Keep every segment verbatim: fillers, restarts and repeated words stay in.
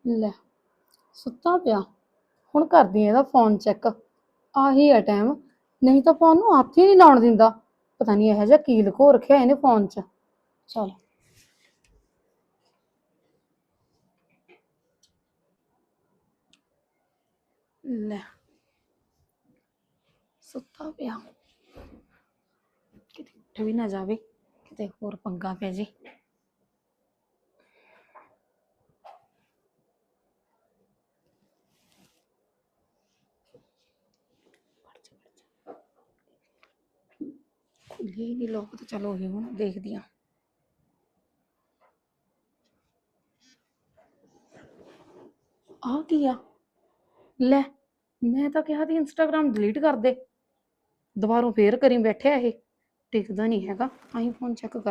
ਲੈ ਸੁੱਤਾ ਪਿਆ। ਹੁਣ ਕਰਦੀ ਆ ਇਹਦਾ ਫੋਨ ਚੈੱਕ। ਆਹੀ ਆ ਟਾਈਮ, ਨਹੀਂ ਤਾਂ ਫੋਨ ਨੂੰ ਹੱਥ ਹੀ ਨਹੀਂ ਲਾਉਣ ਦਿੰਦਾ। ਪਤਾ ਨਹੀਂ ਇਹੋ ਜਿਹਾ ਕੀ ਲੁਕੋ ਰੱਖਿਆ ਇਹਨੇ ਫੋਨ 'ਚ। ਚਲ ਲੈ ਸੁੱਤਾ ਪਿਆ, ਕਿਤੇ ਉੱਠ ਵੀ ਨਾ ਜਾਵੇ, ਕਿਤੇ ਹੋਰ ਪੰਗਾ ਪੈ ਜੇ। ਖੁੱਲੇ ਨਹੀਂ ਲੋਕ ਤਾਂ ਚਲੋ ਇਹ ਹੁਣ ਦੇਖਦੀ ਆ। ਆਹ ਕੀ ਆ? ਲੈ ਮੈਂ ਤਾਂ ਕਿਹਾ ਸੀ ਇੰਸਟਾਗ੍ਰਾਮ ਡਿਲੀਟ ਕਰ ਦੇ, ਦੁਬਾਰਾ ਫੇਰ ਕਰੀ ਬੈਠਿਆ ਇਹ। ਟਿਕਦਾ ਨਹੀਂ ਹੈਗਾ। ਆਈ ਫੋਨ ਚੈੱਕ ਕਰ।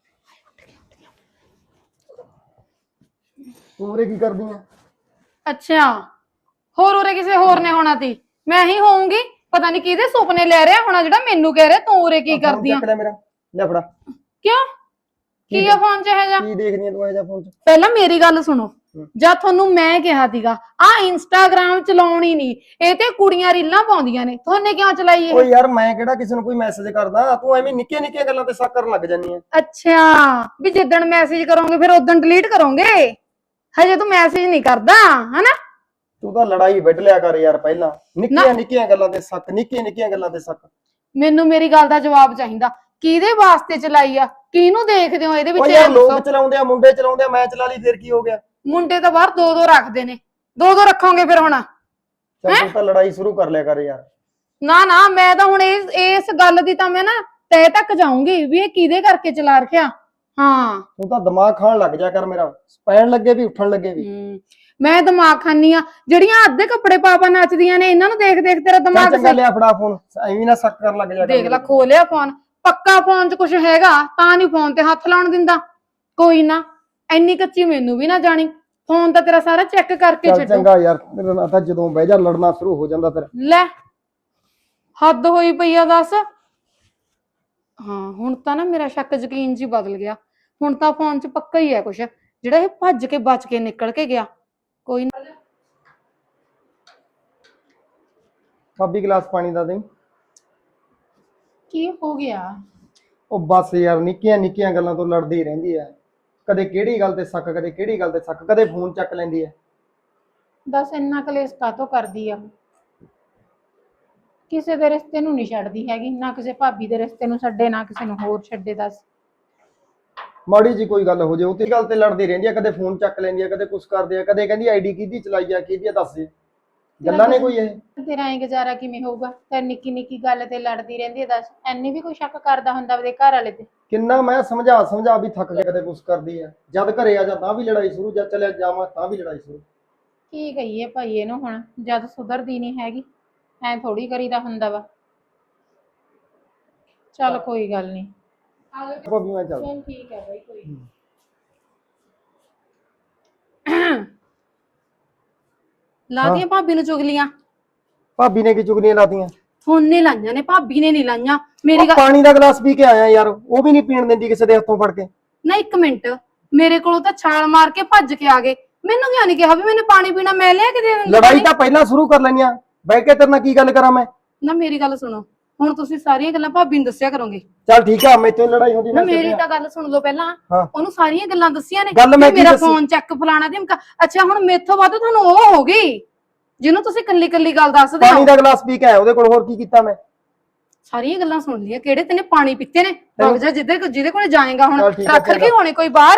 ਤੂੰ ਉਰੇ ਕੀ ਕਰਦੀ ਆ? ਅੱਛਾ, ਹੋਰ ਉਰੇ ਕਿਸੇ ਹੋਰ ਨੇ ਹੋਣਾ ਤੀ, ਮੈਂ ਹੀ ਹੋਊਂਗੀ। ਪਤਾ ਨਹੀਂ ਕਿਹਦੇ ਸੁਪਨੇ ਲੈ ਰਿਹਾ ਹੋਣਾ ਜਿਹੜਾ ਮੈਨੂੰ ਕਹਿ ਰਿਹਾ ਤੂੰ ਉਰੇ ਕੀ ਕਰਦੀ ਆ। ਚੱਕ ਲੈ ਮੇਰਾ, ਲੈ ਫੜਾ। ਕਿਉਂ? ਕੀ ਆ ਫੋਨ 'ਚ ਇਹ ਜਾ? ਕੀ ਦੇਖਦੀ ਆ ਤੂੰ ਇਹ ਜਾ ਫੋਨ 'ਚ? ਪਹਿਲਾਂ ਮੇਰੀ ਗੱਲ ਸੁਣੋ। ਜਾਂ ਤੁਹਾਨੂੰ ਮੈਂ ਕਿਹਾ ਸੀਗਾ ਆ ਇੰਸਟਾਗ੍ਰਾਮ ਚਲਾਉਣੀ ਨਹੀਂ, ਇਹ ਤੇ ਕੁੜੀਆਂ ਰੀਲਾਂ ਪਾਉਂਦੀਆਂ ਨੇ, ਤੁਹਾਨੇ ਕਿਉਂ ਚਲਾਈ ਇਹ? ਓ ਯਾਰ ਮੈਂ ਕਿਹੜਾ ਕਿਸੇ ਨੂੰ ਕੋਈ ਮੈਸੇਜ ਕਰਦਾ, ਤੂੰ ਐਵੇਂ ਨਿੱਕੀਆਂ ਨਿੱਕੀਆਂ ਗੱਲਾਂ ਤੇ ਸ਼ੱਕ ਕਰਨ ਲੱਗ ਜਾਂਦੀ ਆ। ਅੱਛਾ, ਵੀ ਜਿੱਦਣ ਮੈਸੇਜ ਕਰੋਗੇ ਫਿਰ ਉਦੋਂ ਡਿਲੀਟ ਕਰੋਗੇ, ਹਜੇ ਤੂੰ ਮੈਸੇਜ ਨਹੀਂ ਕਰਦਾ ਹਨਾ? ਤੂੰ ਤਾਂ ਲੜਾਈ ਵੱਢ ਲਿਆ ਕਰ ਯਾਰ, ਪਹਿਲਾਂ ਨਿੱਕੀਆਂ ਨਿੱਕੀਆਂ ਗੱਲਾਂ ਤੇ ਸ਼ੱਕ, ਨਿੱਕੀਆਂ ਨਿੱਕੀਆਂ ਗੱਲਾਂ ਤੇ ਸ਼ੱਕ। ਮੈਨੂੰ ਮੇਰੀ ਗੱਲ ਦਾ ਜਵਾਬ ਚਾਹੀਦਾ, ਕਿਹਦੇ ਵਾਸਤੇ ਚਲਾਈ ਆ, ਕਿਹਨੂੰ ਦੇਖਦੇ ਹੋ ਇਹਦੇ ਵਿੱਚ? ਓ ਯਾਰ ਲੋਕ ਚਲਾਉਂਦੇ ਆ, ਮੁੰਡੇ ਚਲਾਉਂਦੇ ਆ, ਮੈਂ ਚਲਾ ਲਈ ਫਿਰ ਕੀ ਹੋ ਗਿਆ? ਮੁੰਡੇ ਤਾਂ ਬਾਹਰ ਦੋ ਦੋ ਰੱਖਦੇ ਨੇ, ਦੋ ਦੋ ਰੱਖੋਗੇ ਫਿਰ ਹੁਣ? ਚੱਲ ਤੂੰ ਤਾਂ ਲੜਾਈ ਸ਼ੁਰੂ ਕਰ ਲਿਆ ਕਰ ਯਾਰ। ਨਾ ਨਾ, ਮੈਂ ਤਾਂ ਹੁਣ ਇਸ ਇਸ ਗੱਲ ਦੀ ਤਾਂ ਮੈਂ ਨਾ ਤੈ ਤੱਕ ਜਾਊਂਗੀ ਵੀ ਇਹ ਕਿਹਦੇ ਕਰਕੇ ਚਲਾ ਰੱਖਿਆ। ਹਾਂ ਤੂੰ ਤਾਂ ਦਿਮਾਗ ਖਾਣ ਲੱਗ ਜਾ ਕਰ ਮੇਰਾ, ਪੈਣ ਲੱਗੇ ਵੀ ਉੱਠਣ ਲੱਗੇ ਵੀ। ਮੈਂ ਦਿਮਾਗ ਖਾਨੀ ਆ? ਜਿਹੜੀਆਂ ਅੱਧੇ ਕੱਪੜੇ ਪਾ ਪਾ ਨੱਚਦੀਆਂ ਨੇ ਇਹਨਾਂ ਨੂੰ ਦੇਖ ਦੇਖ ਤੇਰਾ ਦਿਮਾਗ ਚੰਗਾ ਲਿਆ ਫੜਾ ਫੋਨ, ਐਵੇਂ ਨਾ ਸ਼ੱਕ ਕਰਨ ਲੱਗ ਜਾ। ਦੇਖ ਲੈ ਖੋ ਲਿਆ ਫੋਨ। ਪੱਕਾ ਫੋਨ 'ਚ ਕੁਝ ਹੈਗਾ ਤਾਂ ਨਹੀਂ ਫੋਨ ਤੇ ਹੱਥ ਲਾਉਣ ਦਿੰਦਾ। ਕੋਈ ਨਾ, ਐਨੀ ਕੱਚੀ ਮੈਨੂੰ ਵੀ ਨਾ ਜਾਣੀ, ਫੋਨ ਤਾਂ ਤੇਰਾ ਸਾਰਾ ਚੈੱਕ ਕਰਕੇ ਛੱਡੂ। ਚੰਗਾ ਯਾਰ, ਮੇਰੇ ਨਾਲ ਤਾਂ ਜਦੋਂ ਬਹਿ ਜਾ ਲੜਨਾ ਸ਼ੁਰੂ ਹੋ ਜਾਂਦਾ ਫਿਰ। ਲੈ ਹੱਦ ਹੋਈ ਪਈ ਆ ਦੱਸ। ਹਾਂ ਹੁਣ ਤਾਂ ਨਾ ਮੇਰਾ ਸ਼ੱਕ ਯਕੀਨ ਜੀ ਬਦਲ ਗਿਆ। ਹੁਣ ਤਾਂ ਫੋਨ 'ਚ ਪੱਕਾ ਹੀ ਹੈ ਕੁਛ, ਜਿਹੜਾ ਇਹ ਭੱਜ ਕੇ ਬਚ ਕੇ ਨਿਕਲ ਕੇ ਗਿਆ। ਕੋਈ ਨਾ, ਭਾਬੀ ਗਲਾਸ ਪਾਣੀ ਦਾ ਦੇ। ਕੀ ਹੋ ਗਿਆ? ਉਹ ਬਸ ਯਾਰ, ਨਿੱਕੀਆਂ ਨਿੱਕੀਆਂ ਗੱਲਾਂ ਤੋਂ ਲੜਦੀ ਰਹਿੰਦੀ ਹੈ। ਕਦੇ ਕਿਹੜੀ ਗੱਲ ਤੇ ਸ਼ੱਕ, ਕਦੇ ਕਿਹੜੀ ਗੱਲ ਤੇ ਸ਼ੱਕ, ਕਦੇ ਫੋਨ ਚੱਕ ਲੈਂਦੀ ਹੈ। ਦੱਸ ਇੰਨਾ ਕਲੇਸ਼ ਕਾਹਤੋਂ ਕਰਦੀ ਆ? ਕਿਸੇ ਦੇ ਰਿਸ਼ਤੇ ਨੂੰ ਨਹੀਂ ਛੱਡਦੀ ਹੈਗੀ, ਨਾ ਕਿਸੇ ਭਾਬੀ ਦੇ ਰਿਸ਼ਤੇ ਨੂੰ ਛੱਡੇ, ਨਾ ਕਿਸੇ ਨੂੰ ਹੋਰ ਛੱਡੇ। ਦੱਸ ਮਾੜੀ ਜੀ ਕੋਈ ਗੱਲ ਹੋ ਜੇ, ਉਹ ਤੇ ਗੱਲ ਤੇ ਲੜਦੀ ਰਹਿੰਦੀ ਹੈ। ਕਦੇ ਫੋਨ ਚੱਕ ਲੈਂਦੀ ਹੈ, ਕਦੇ ਕੁਛ ਕਰਦੀ ਆ, ਕਦੇ ਕਹਿੰਦੀ ਆਈਡੀ ਕਿਹਦੀ ਚਲਾਈ ਆ, ਕਿਹਦੀ ਆ, ਦੱਸ ਦੇ ਗੱਲਾਂ ਨੇ ਕੋਈ ਇਹ। ਤੇਰਾ ਐ ਗੁਜ਼ਾਰਾ ਕਿਵੇਂ ਹੋਊਗਾ? ਤੇ ਨਿੱਕੀ ਨਿੱਕੀ ਗੱਲ ਤੇ ਲੜਦੀ ਰਹਿੰਦੀ ਹੈ। ਦੱਸ ਐਨੀ ਵੀ ਕੋਈ ਸ਼ੱਕ ਕਰਦਾ ਹੁੰਦਾ ਉਹਦੇ ਘਰ ਵਾਲੇ ਤੇ? ਕਿੰਨਾ ਮੈਂ ਸਮਝਾ ਸਮਝਾ ਵੀ ਥੱਕ ਕੇ, ਕਦੇ ਕੁਛ ਕਰਦੀ ਆ, ਜਦ ਘਰੇ ਆ ਜਾ ਤਾਂ ਵੀ ਲੜਾਈ ਸ਼ੁਰੂ, ਜਦ ਚਲਿਆ ਜਾਵਾਂ ਤਾਂ ਵੀ ਲੜਾਈ ਸ਼ੁਰੂ। ਕੀ ਕਹੀਏ ਭਾਈ ਇਹਨੂੰ ਹੁਣ, ਜਦ ਸੁਧਰਦੀ ਨਹੀਂ ਹੈਗੀ। ਐ ਥੋੜੀ ਕਰੀਦਾ ਹੁੰਦਾ ਵਾ। ਚੱਲ ਕੋਈ ਗੱਲ ਨਹੀਂ, ਭਾਬੀ ਮੈਂ ਚੱਲ। ਚੱਲ ਠੀਕ ਹੈ ਬਾਈ, ਕੋਈ ਲਾਦੀਆਂ ਭਾਬੀ ਨੂੰ ਚੁਗਲੀਆਂ। ਭਾਬੀ ਨੇ ਕੀ ਚੁਗਲੀਆਂ ਲਾਤੀਆਂ? ਥੋਨੇ ਲਾਈਆਂ ਨੇ, ਭਾਬੀ ਨੇ ਨਹੀਂ ਲਾਈਆਂ। ਮੇਰੀ ਗੱਲ, ਪਾਣੀ ਦਾ ਗਲਾਸ ਪੀ ਕੇ ਆਇਆ ਯਾਰ, ਉਹ ਵੀ ਨਹੀਂ ਪੀਣ ਦਿੰਦੀ ਕਿਸੇ ਦੇ ਹੱਥੋਂ ਫੜ ਕੇ। ਨਾ ਇੱਕ ਮਿੰਟ, ਮੇਰੇ ਕੋਲੋਂ ਤਾਂ ਛਾਲ ਮਾਰ ਕੇ ਭੱਜ ਕੇ ਆ ਗਏ, ਮੈਨੂੰ ਕਿਉਂ ਨਹੀਂ ਕਿਹਾ ਵੀ ਮੈਨੂੰ ਪਾਣੀ ਪੀਣਾ? ਮੈਂ ਲਿਆ ਕੇ ਦੇ ਦਿੰਦੀ। ਲੜਾਈ ਤਾਂ ਪਹਿਲਾਂ ਸ਼ੁਰੂ ਕਰ ਲੈਣੀ ਆ, ਬਹਿ ਕੇ ਤੇਰੇ ਨਾਲ ਕੀ ਗੱਲ ਕਰਾਂ ਮੈਂ? ਨਾ ਮੇਰੀ ਗੱਲ ਸੁਣੋ, ਹੁਣ ਤੁਸੀਂ ਸਾਰੀਆਂ ਗੱਲਾਂ ਭਾਬੀ ਨੂੰ ਦੱਸਿਆ ਕਰੋਗੇ। ਚੱਲ ਠੀਕ ਆ, ਮੈਥੋਂ ਲੜਾਈ ਹੁੰਦੀ ਨਾ ਮੇਰੀ ਤਾਂ ਗੱਲ ਸੁਣ ਲਓ ਪਹਿਲਾਂ। ਹਾਂ। ਉਹਨੂੰ ਸਾਰੀਆਂ ਗੱਲਾਂ ਦੱਸੀਆਂ ਨੇ, ਗੱਲ ਮੈਂ ਕੀ ਮੇਰਾ ਦੱਸੀ? ਫੋਨ ਚੈੱਕ ਫਲਾਣਾ ਧਮਕਾ। ਅੱਛਾ ਹੁਣ ਮੇਥੋਂ ਵੱਧ ਤੁਹਾਨੂੰ ਉਹ ਹੋ ਗਈ ਜਿਹਨੂੰ ਤੁਸੀਂ ਕੱਲੀ ਕੱਲੀ ਗੱਲ ਦੱਸਦੇ ਪਾਣੀ ਹੋ। ਦਾ ਗਲਾਸ ਪੀ ਕੇ ਆਇਆ ਉਹਦੇ ਕੋਲ, ਹੋਰ ਕੀ ਕੀਤਾ ਮੈਂ? ਸਾਰੀਆਂ ਗੱਲਾਂ ਸੁਣ ਲਈਆਂ, ਕਿਹੜੇ ਤੈਨੇ ਪਾਣੀ ਪੀਤੇ ਨੇ? ਵਗ ਜਾ ਜਿੱਦੇ ਜਿਹਦੇ ਕੋਲੇ ਜਾਏਗਾ, ਹੁਣ ਚੱਲ ਠੀਕ ਆ, ਰੱਖ ਚੰਗਾ। ਕੇ ਹੋਣੇ ਕੋਈ ਬਾਹਰ।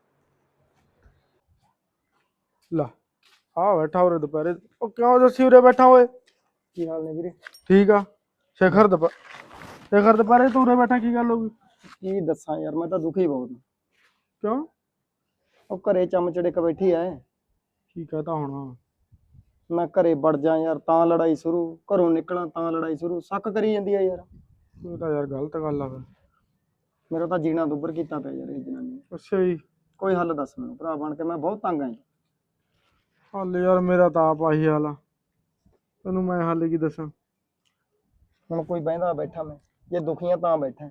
ਲਾ ਆ ਬੈਠਾ ਉਰੇ ਦੁਪਹਿਰੇ। ਉਹ ਕਿਉਂ ਜੱਸੀ ਉਰੇ ਬੈਠਾ ਓਏ? ਕੀ ਹਾਲ ਨੇ ਵੀਰੇ? ਠੀਕ ਆ। ਸ਼ੇਖਰ ਦੁਪ ਸ਼ੇਖਰ ਦੁਪਹਿਰੇ ਤੂੰ ਉਰੇ ਬੈਠਾ, ਕੀ ਗੱਲ ਹੋ ਗਈ? ਕੀ ਦੱਸਾਂ ਯਾਰ, ਮੈਂ ਤਾਂ ਦੁਖੀ ਬਹੁਤ। ਕਿਉਂ? ਉਹ ਘਰੇ ਚਮਚੜੇ ਕ ਬੈਠੀ ਐ। ਕੀ ਕਹਤਾ ਹੋਣਾ? ਮੈਂ ਘਰੇ ਵੜ ਜਾ ਯਾਰ ਤਾਂ ਲੜਾਈ ਸ਼ੁਰੂ, ਘਰੋਂ ਨਿਕਲਾਂ ਤਾਂ ਲੜਾਈ ਸ਼ੁਰੂ, ਸ਼ੱਕ ਕਰੀ ਜਾਂਦੀ ਆ ਯਾਰ। ਇਹ ਤਾਂ ਯਾਰ ਗਲਤ ਗੱਲ ਆ ਫਿਰ। ਮੇਰਾ ਤਾਂ ਜੀਣਾ ਦੁੱਬਰ ਕੀਤਾ ਪਿਆ ਯਾਰ ਇਹ ਜਨਾਨੀ। ਅੱਛਾ ਜੀ। ਕੋਈ ਹੱਲ ਦੱਸ ਮੈਨੂੰ ਭਰਾ ਬਣ ਕੇ, ਮੈਂ ਬਹੁਤ ਤੰਗ ਆ। ਹੱਲ ਯਾਰ ਮੇਰਾ ਤਾਂ ਆਪ ਆਹੀ ਹਾਲ ਆ, ਤੈਨੂੰ ਮੈਂ ਹੱਲ ਕੀ ਦੱਸਾਂ? ਹੁਣ ਕੋਈ ਬਹਿੰਦਾ ਬੈਠਾ, ਮੈਂ ਜੇ ਦੁਖੀਆਂ ਤਾਂ ਬੈਠਾ।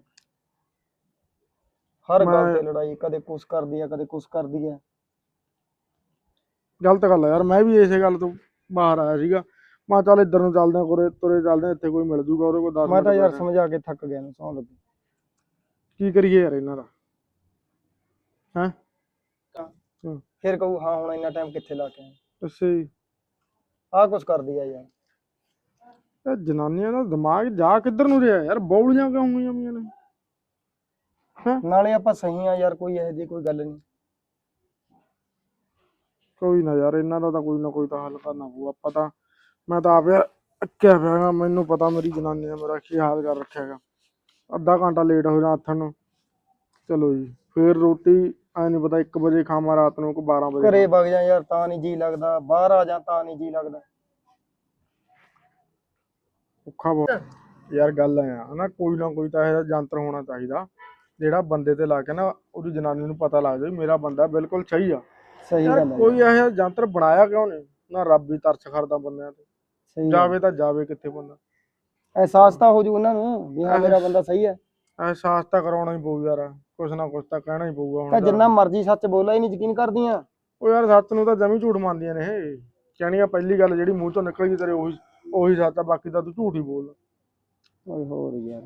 ਹਰ ਗੱਲ ਤੇ ਲੜਾਈ, ਕਦੇ ਕੁਛ ਕਰਦੀ ਆ, ਕਦੇ ਕੁਛ ਕਰਦੀ ਆ। ਗਲਤ ਗੱਲ ਆ ਯਾਰ। ਮੈਂ ਵੀ ਇਸੇ ਗੱਲ ਤੋਂ ਬਾਹਰ ਆਇਆ ਸੀਗਾ। ਮੈਂ ਕਿਹਾ ਚੱਲ ਇੱਧਰ ਨੂੰ ਚੱਲਦੇ ਆ, ਕੋਰੇ ਤੁਰੇ ਚੱਲਦੇ ਆ, ਇੱਥੇ ਕੋਈ ਮਿਲ ਜੂਗਾ ਉਹਦੇ ਕੋਲ ਦਸ ਮੈਂ ਮਿੰਟ ਤਾਂ ਯਾਰ ਬੈਠੇ। ਸਮਝਾ ਕੇ ਥੱਕ ਗਿਆ ਨੂੰ ਸੌਂ ਲੱਗੀ। ਕੀ ਕਰੀਏ ਯਾਰ ਇਹਨਾਂ ਦਾ ਹੈਂ। ਫਿਰ ਕਹੂ ਹਾਂ ਹੁਣ ਇੰਨਾ ਟਾਈਮ ਕਿੱਥੇ ਲਾ ਕੇ ਆਇਆ। ਅੱਛਾ ਜੀ। ਆਹ ਕੁਛ ਕਰਦੀ ਆ ਯਾਰ। ਇਹ ਜਨਾਨੀਆਂ ਦਾ ਦਿਮਾਗ ਜਾ ਕਿੱਧਰ ਨੂੰ ਰਿਹਾ ਯਾਰ, ਬੌਲੀਆਂ ਕਿਉਂ ਹੋਈਆਂ ਪਈਆਂ ਨੇ। ਨਾਲੇ ਆਪਾਂ ਸਹੀ ਆ ਯਾਰ, ਕੋਈ ਇਹੋ ਜਿਹੀ ਕੋਈ ਗੱਲ ਨਹੀਂ। ਕੋਈ ਨਾ ਯਾਰ, ਇਹਨਾਂ ਦਾ ਤਾਂ ਕੋਈ ਨਾ ਕੋਈ ਤਾਂ ਹੱਲ ਕਰਨਾ ਪਊ। ਆਪਾਂ ਤਾਂ ਮੈਂ ਤਾਂ ਆਪ ਯਾਰ ਅੱਕਿਆ ਪਿਆ ਗਾ। ਮੈਨੂੰ ਪਤਾ ਮੇਰੀ ਜਨਾਨੀ ਨੇ ਮੇਰਾ ਕੀ ਹਾਲ ਕਰ ਰੱਖਿਆ ਗਾ। ਅੱਧਾ ਘੰਟਾ ਲੇਟ ਹੋ ਜਾਣਾ ਆਥਣ ਨੂੰ, ਚਲੋ ਜੀ ਫੇਰ ਰੋਟੀ ਐ ਨਹੀਂ ਪਤਾ ਇੱਕ ਵਜੇ ਖਾਵਾਂ ਰਾਤ ਨੂੰ ਕਿ ਬਾਰਾਂ ਵਜੇ ਘਰੇ ਵਗ ਜਾ ਯਾਰ ਤਾਂ ਨਹੀਂ ਜੀ ਲੱਗਦਾ, ਬਾਹਰ ਆ ਜਾ ਤਾਂ ਨਹੀਂ ਜੀ ਲੱਗਦਾ। ਔਖਾ ਬਹੁਤ ਯਾਰ। ਗੱਲ ਐ ਹਨਾ, ਕੋਈ ਨਾ ਕੋਈ ਤਾਂ ਇਹਦਾ ਯੰਤਰ ਹੋਣਾ ਚਾਹੀਦਾ ਜਿਹੜਾ ਬੰਦੇ ਤੇ ਲਾ ਕੇ ਨਾ ਉਹਦੀ ਜਨਾਨੀ ਨੂੰ ਪਤਾ ਲੱਗ ਜਾਵੇ ਮੇਰਾ ਬੰਦਾ ਬਿਲਕੁਲ ਸਹੀ ਆ। ਸਹੀ ਯਾਰ ਗੱਲ ਹੈ। ਕੋਈ ਇਹੋ ਜਿਹਾ ਯੰਤਰ ਬਣਾਇਆ ਕਿਉਂ ਨਹੀਂ ਨਾ, ਰੱਬ ਹੀ ਤਰਸ ਕਰਦਾ ਬੰਦਿਆਂ ਤੇ। ਸਹੀ ਜਾਵੇ ਤਾਂ ਜਾਵੇ ਕਿੱਥੇ ਬੰਦਾ। ਅਹਿਸਾਸ ਤਾਂ ਹੋ ਜੂ ਉਹਨਾਂ ਨੂੰ ਵੀ ਹਾਂ ਮੇਰਾ ਬੰਦਾ ਸਹੀ ਹੈ। ਅਹਿਸਾਸ ਤਾਂ ਕਰਾਉਣਾ ਹੀ ਪਊ ਯਾਰ, ਕੁਛ ਨਾ ਕੁਛ ਤਾਂ ਕਹਿਣਾ ਹੀ ਪਊਗਾ ਤਾਂ ਹੁਣ। ਜਿੰਨਾ ਮਰਜ਼ੀ ਸੱਚ ਬੋਲਾ ਹੀ ਨਹੀਂ ਯਕੀਨ ਕਰਦੀਆਂ। ਉਹ ਯਾਰ ਸੱਚ ਨੂੰ ਤਾਂ ਜਮੀ ਝੂਠ ਮੰਨਦੀਆਂ ਨੇ ਇਹ। ਕਹਿਣੀਆਂ ਪਹਿਲੀ ਗੱਲ ਜਿਹੜੀ ਮੂੰਹ ਤੋਂ ਨਿਕਲ ਗਈ ਤੇਰੇ ਉਹੀ ਉਹੀ ਸੱਚ ਆ, ਬਾਕੀ ਤਾਂ ਤੂੰ ਝੂਠ ਹੀ ਬੋਲਦਾ। ਓਏ ਹੋਰ ਯਾਰ